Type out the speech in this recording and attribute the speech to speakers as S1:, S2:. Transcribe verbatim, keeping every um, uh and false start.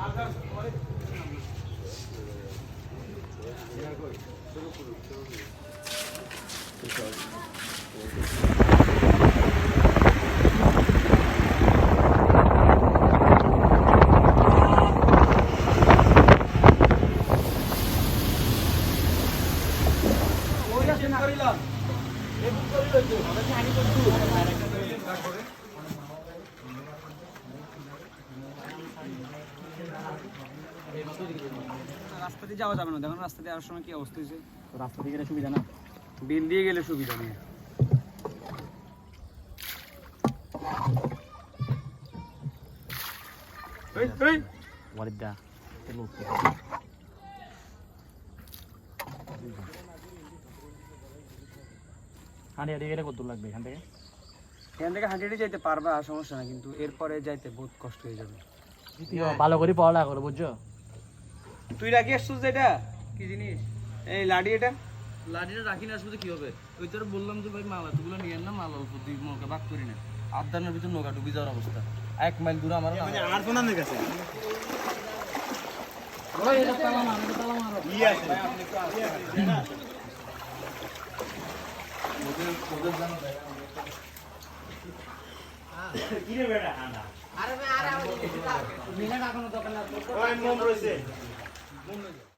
S1: রাস্তা দিয়ে যাওয়া যাবে না, দেখুন রাস্তা দিয়ে আসার সময় কি অবস্থা হয়েছে।
S2: রাস্তা দিয়ে গেলে সুবিধা না,
S1: বিল দিয়ে গেলে সুবিধা নেই।
S2: ওয়ালিদা হাঁটি হাঁটি গেলে কত দূর লাগবে এখান থেকে?
S1: এখান থেকে হাঁটি হাঁটি যাইতে পারবা, সমস্যা না, কিন্তু এরপরে যাইতে বহুত কষ্ট হয়ে যাবে।
S2: ভালো করে পড়ালেখা করো, বুঝছো?
S1: তুই রাখি আসছিস এটা কি জিনিস? এই লাডি, এটা
S3: লাঠিটা রাখি না আসলে কি হবে? ওই তোর বললাম যে ভাই মাল এতগুলো নিয়ে না, মাল অল্প দুই নৌকা ভাগ করি না, আদানের ভিতর নৌকা ডুবি যাওয়ার অবস্থা। এক মাইল দূরে আমার
S4: মানে আর কোন আনে গেছে কিরে বেটা আনা আরে আরে মিলে রাখনো দোকান না, ওই মন রইছে মন রইছে।